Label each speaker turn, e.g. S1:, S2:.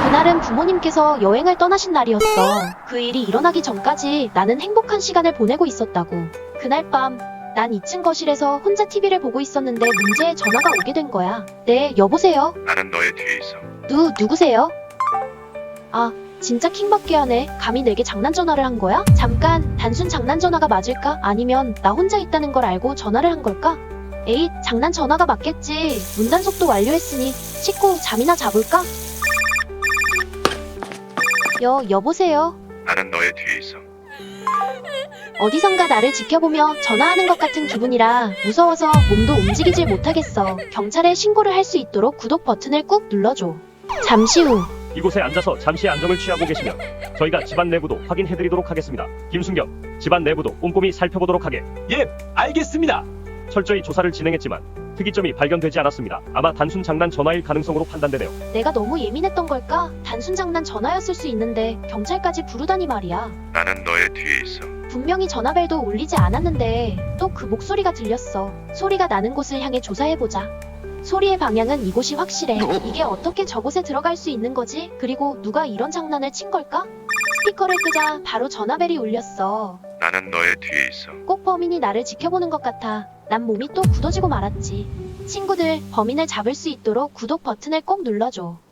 S1: 그날은 부모님께서 여행을 떠나신 날이었어. 그 일이 일어나기 전까지 나는 행복한 시간을 보내고 있었다고. 그날 밤, 난 2층 거실에서 혼자 TV를 보고 있었는데 문제의 전화가 오게 된 거야. 네, 여보세요?
S2: 나는 너의 뒤에 있어.
S1: 누구세요? 아, 진짜 킹받게 하네. 감히 내게 장난 전화를 한 거야? 잠깐, 단순 장난 전화가 맞을까? 아니면 나 혼자 있다는 걸 알고 전화를 한 걸까? 에잇, 장난 전화가 맞겠지. 문단속도 완료했으니 씻고 잠이나 자볼까? 여보세요?
S2: 나는 너의 뒤에 있어.
S1: 어디선가 나를 지켜보며 전화하는 것 같은 기분이라 무서워서 몸도 움직이질 못하겠어. 경찰에 신고를 할 수 있도록 구독 버튼을 꾹 눌러줘. 잠시 후.
S3: 이곳에 앉아서 잠시 안정을 취하고 계시면 저희가 집안 내부도 확인해드리도록 하겠습니다. 김순경, 집안 내부도 꼼꼼히 살펴보도록 하게.
S4: 예, 알겠습니다.
S3: 철저히 조사를 진행했지만 특이점이 발견되지 않았습니다. 아마 단순 장난 전화일 가능성으로 판단되네요.
S1: 내가 너무 예민했던 걸까? 단순 장난 전화였을 수 있는데 경찰까지 부르다니 말이야.
S2: 나는 너의 뒤에 있어.
S1: 분명히 전화벨도 울리지 않았는데 또 그 목소리가 들렸어. 소리가 나는 곳을 향해 조사해보자. 소리의 방향은 이곳이 확실해. 이게 어떻게 저곳에 들어갈 수 있는 거지? 그리고 누가 이런 장난을 친 걸까? 스피커를 끄자 바로 전화벨이 울렸어.
S2: 나는 너의 뒤에 있어.
S1: 꼭 범인이 나를 지켜보는 것 같아. 난 몸이 또 굳어지고 말았지. 친구들, 범인을 잡을 수 있도록 구독 버튼을 꼭 눌러줘.